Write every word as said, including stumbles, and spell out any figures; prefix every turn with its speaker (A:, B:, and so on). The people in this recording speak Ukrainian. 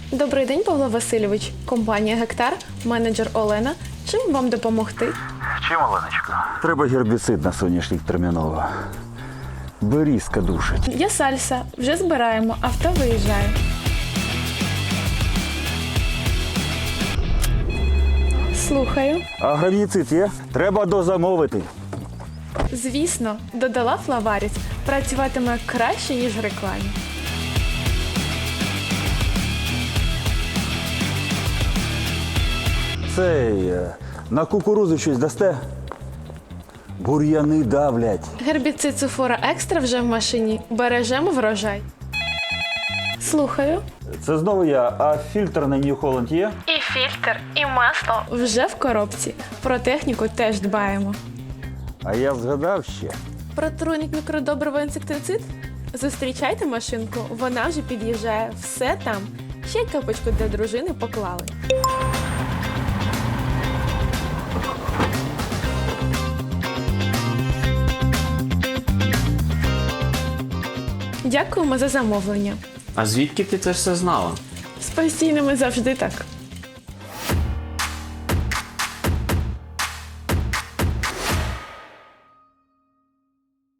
A: Добрий день, Павло Васильович. Компанія «Гектар», менеджер Олена. Чим вам допомогти?
B: Чим, Оленочка?
C: Треба гербіцид на соняшник терміново. Берізка душить.
A: Я Сальса. Вже збираємо. Авто виїжджає. Слухаю.
C: А гравіцид є? Треба дозамовити.
A: Звісно, додала Флаваріс. Працюватиме краще, ніж в рекламі.
C: Цей, е, на кукурудзу щось дасте? Бур'яни давлять.
A: Гербіцид Суфора Екстра вже в машині. Бережемо врожай. Слухаю.
C: Це знову я, а фільтр на New Holland є?
A: І фільтр, і масло. Вже в коробці. Про техніку теж дбаємо.
C: А я згадав ще.
A: Про труйник мікродобриво інсектицид? Зустрічайте машинку, вона вже під'їжджає. Все там. Ще й капочку для дружини поклали. Дякуємо за замовлення.
D: А звідки ти це все знала?
A: З постійними завжди так.